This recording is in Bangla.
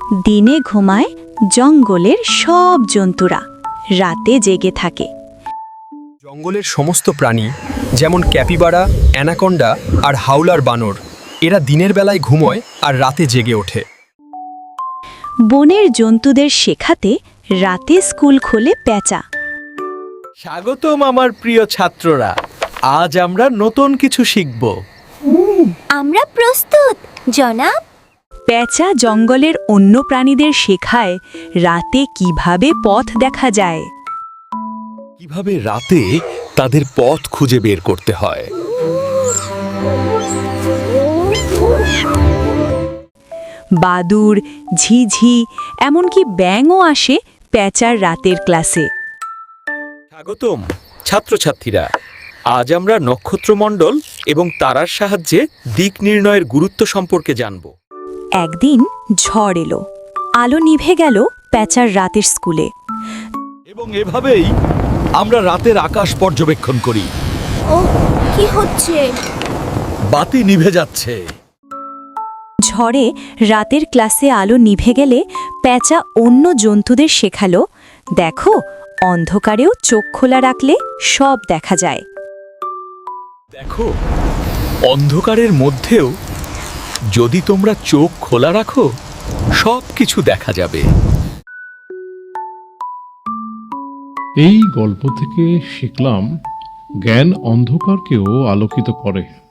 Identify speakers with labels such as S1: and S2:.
S1: দিনে ঘুমায় জঙ্গলের সব জন্তুরা, রাতে জেগে থাকে।
S2: জঙ্গলের সমস্ত প্রাণী, যেমন ক্যাপিবারা, অ্যানাকন্ডা আর হাওলার বানর, এরা দিনের বেলায় ঘুমোয় আর রাতে জেগে ওঠে।
S1: বনের জন্তুদের শেখাতে রাতে স্কুল খোলে পেঁচা।
S3: স্বাগতম আমার প্রিয় ছাত্ররা, আজ আমরা নতুন কিছু শিখব।
S4: আমরা প্রস্তুত জনাব।
S1: পেঁচা জঙ্গলের অন্য প্রাণীদের শেখায় রাতে কিভাবে পথ দেখা যায়।
S3: কিভাবে রাতে তাদের পথ খুঁজে বের করতে হয়।
S1: বাদুড়, ঝিঝি, এমনকি ব্যাঙও আসে পেঁচার রাতের ক্লাসে।
S3: স্বাগতম ছাত্রছাত্রীরা, আজ আমরা নক্ষত্রমণ্ডল এবং তারার সাহায্যে দিক নির্ণয়ের গুরুত্ব সম্পর্কে জানব।
S1: একদিন ঝড় এলো, আলো নিভে গেল পেঁচার রাতের স্কুলে।
S3: এবং এভাবেই আমরা রাতের আকাশ পর্যবেক্ষণ করি।
S4: ও কি হচ্ছে?
S3: বাতি নিভে যাচ্ছে।
S1: ঝড়ে রাতের ক্লাসে আলো নিভে গেলে পেঁচা অন্য জন্তুদের শেখালো, দেখো, অন্ধকারেও চোখ খোলা রাখলে সব দেখা যায়।
S3: দেখো, অন্ধকারের মধ্যেও যদি তোমরা চোখ খোলা রাখো, সব কিছু দেখা যাবে।
S5: এই গল্প থেকে শিখলাম জ্ঞান অন্ধকারকেও আলোকিত করে।